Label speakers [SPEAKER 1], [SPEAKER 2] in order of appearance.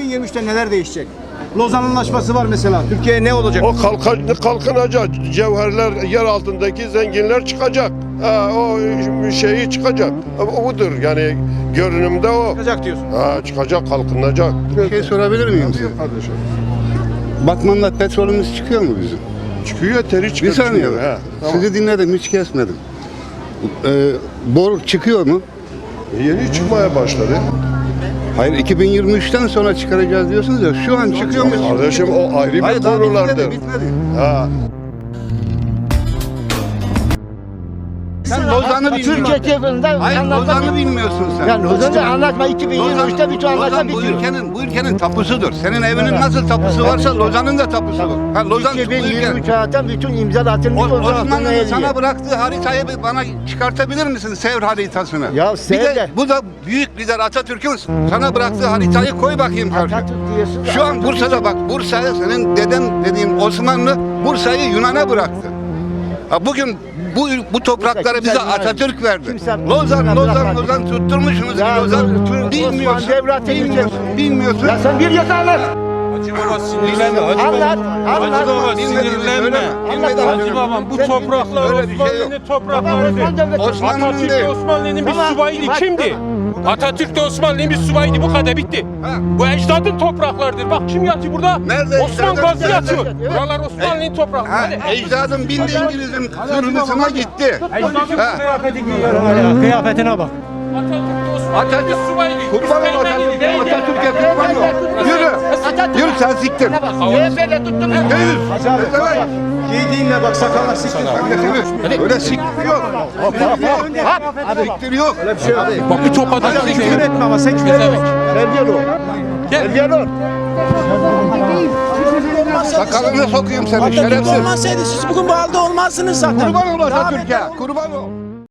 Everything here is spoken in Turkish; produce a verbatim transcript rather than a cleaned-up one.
[SPEAKER 1] bin yirmi üçte neler değişecek? Lozan Anlaşması var mesela. Türkiye ne olacak?
[SPEAKER 2] O kalkan, kalkınacak. Cevherler, yer altındaki zenginler çıkacak. Ha, o şeyi çıkacak. O budur yani görünümde o.
[SPEAKER 1] Çıkacak diyorsun.
[SPEAKER 2] Ha, çıkacak, kalkınacak.
[SPEAKER 3] Bir şey sorabilir miyim size?
[SPEAKER 2] Kardeşim.
[SPEAKER 3] Batman'da petrolümüz çıkıyor mu bizim?
[SPEAKER 2] Çıkıyor, teri
[SPEAKER 3] Bir
[SPEAKER 2] çıkıyor.
[SPEAKER 3] saniye.
[SPEAKER 2] çıkıyor. He, tamam.
[SPEAKER 3] Sizi dinledim, hiç kesmedim. Ee, boru çıkıyor mu?
[SPEAKER 2] Yeni çıkmaya başladı.
[SPEAKER 3] Hayır, iki bin yirmi üçten sonra çıkaracağız diyorsunuz ya. Şu an çıkıyor mu?
[SPEAKER 2] Kardeşim o ayrı bir
[SPEAKER 3] Hayır, daha
[SPEAKER 2] konulardır.
[SPEAKER 3] bitmedi, bitmedi.
[SPEAKER 2] Ha.
[SPEAKER 3] Sen Lozan'ı
[SPEAKER 4] Türkiye
[SPEAKER 3] bilmiyorsun.
[SPEAKER 4] çevresinden
[SPEAKER 3] Hayır,
[SPEAKER 4] anlatma.
[SPEAKER 3] Lozan'ı bilmiyorsun sen.
[SPEAKER 4] Yani Lozan'ı anlatma. iki bin yirmi üçte bütün anlaşma
[SPEAKER 3] Lozan bu
[SPEAKER 4] bitiyor.
[SPEAKER 3] ülkenin, bu ülkenin tapusudur. Senin evinin nasıl tapusu varsa Lozan'ın da tapusu var. Ha, Lozan bu
[SPEAKER 4] iki bin yirmi üç
[SPEAKER 3] ülke.
[SPEAKER 4] zaten bütün imza atılmış.
[SPEAKER 3] O-
[SPEAKER 4] Lozan altında
[SPEAKER 3] Osmanlı'nın
[SPEAKER 4] eriyor.
[SPEAKER 3] sana bıraktığı haritayı bir bana çıkartabilir misin? Sevr haritasını.
[SPEAKER 4] Ya
[SPEAKER 3] bir
[SPEAKER 4] Sevr
[SPEAKER 3] de
[SPEAKER 4] de-
[SPEAKER 3] bu da büyük lider Atatürk'ün sana bıraktığı haritayı koy bakayım karşı.
[SPEAKER 4] Atatürk diyorsun da
[SPEAKER 3] Şu an
[SPEAKER 4] Atatürk-
[SPEAKER 3] Bursa'da bak, Bursa'ya senin dedem dediğin Osmanlı Bursa'yı Yunan'a bıraktı. Ha, bugün bu bu toprakları
[SPEAKER 4] Kimse
[SPEAKER 3] bize
[SPEAKER 4] Yunan-
[SPEAKER 3] Atatürk verdi.
[SPEAKER 4] kimse
[SPEAKER 3] Lozan,
[SPEAKER 4] Yunan'a
[SPEAKER 3] Lozan,
[SPEAKER 4] bırakmadı.
[SPEAKER 3] Lozan tutturmuşsunuz
[SPEAKER 4] Ya,
[SPEAKER 3] ki Lozan.
[SPEAKER 4] Osman
[SPEAKER 3] Bilmiyorsun,
[SPEAKER 4] Devleti'ni
[SPEAKER 3] bilmiyorsun,
[SPEAKER 4] biliyorsun.
[SPEAKER 3] bilmiyorsun.
[SPEAKER 4] Ya sen bir yasa anlat.
[SPEAKER 5] Hacı baba sinirlenme. Hacı
[SPEAKER 4] Anlat.
[SPEAKER 5] Hacı
[SPEAKER 4] Anlat.
[SPEAKER 5] baba
[SPEAKER 3] Bilmediğini
[SPEAKER 5] sinirlenme.
[SPEAKER 3] söyleme. Bilmediğini
[SPEAKER 4] Anlat.
[SPEAKER 5] Hacı
[SPEAKER 3] söyleme.
[SPEAKER 5] babam bu
[SPEAKER 4] Sen
[SPEAKER 5] topraklar
[SPEAKER 3] öyle bir şey yok.
[SPEAKER 5] Osmanlı'nın
[SPEAKER 4] Tamam,
[SPEAKER 5] topraklarıdır.
[SPEAKER 4] Osman Devleti.
[SPEAKER 3] Osmanlı'nın
[SPEAKER 5] Atatürk
[SPEAKER 3] değil.
[SPEAKER 5] de Osmanlı'nın bir
[SPEAKER 4] Tamam,
[SPEAKER 5] subayıydı.
[SPEAKER 4] bak,
[SPEAKER 5] Kimdi? Atatürk de Osmanlı'nın bir subayıydı. Bu kadar bitti.
[SPEAKER 3] Ha.
[SPEAKER 5] Bu ecdadın topraklarıdır. Bak kim yatıyor burada?
[SPEAKER 3] Nerede
[SPEAKER 5] Osman
[SPEAKER 3] ecdadın?
[SPEAKER 5] Gazi
[SPEAKER 3] Nerede?
[SPEAKER 5] yatıyor.
[SPEAKER 4] Evet.
[SPEAKER 5] Buralar Osmanlı'nın toprakları.
[SPEAKER 3] Ha,
[SPEAKER 5] Hadi.
[SPEAKER 3] ecdadım bindi İngiliz'in zırhlısına gitti.
[SPEAKER 5] Ecdadın
[SPEAKER 3] Ha.
[SPEAKER 5] kıyafeti giyiyor.
[SPEAKER 6] Kıyafetine bak.
[SPEAKER 5] Atatürk de Osmanlı'nın
[SPEAKER 3] Atatürk,
[SPEAKER 5] bir subayıydı.
[SPEAKER 3] kurban ol
[SPEAKER 5] İskenderliydi,
[SPEAKER 3] Atatürk'e,
[SPEAKER 5] neydi?
[SPEAKER 3] Atatürk'e kurban ol. Yürü, yürü sen siktir.
[SPEAKER 4] C H P'yle tuttunuz.
[SPEAKER 3] Değil. Evet.
[SPEAKER 1] Giydiğinle bak sakallar siktir.
[SPEAKER 3] Sen de öyle siktir yok. Siktir yok.
[SPEAKER 1] Öyle bir şey yok.
[SPEAKER 5] Bak bir top
[SPEAKER 1] Hocam
[SPEAKER 5] Atatürk.
[SPEAKER 1] küfür etme ama sen küfür etme.
[SPEAKER 4] Terbiyeli ol.
[SPEAKER 5] Gel.
[SPEAKER 4] Terbiyeli ol.
[SPEAKER 3] Sakalını sokayım seni
[SPEAKER 7] Atatürk
[SPEAKER 3] şerefsiz.
[SPEAKER 7] olmasaydı siz bugün bu halde olmazsınız zaten.
[SPEAKER 3] Kurban ol Atatürk'e. Kurban ol.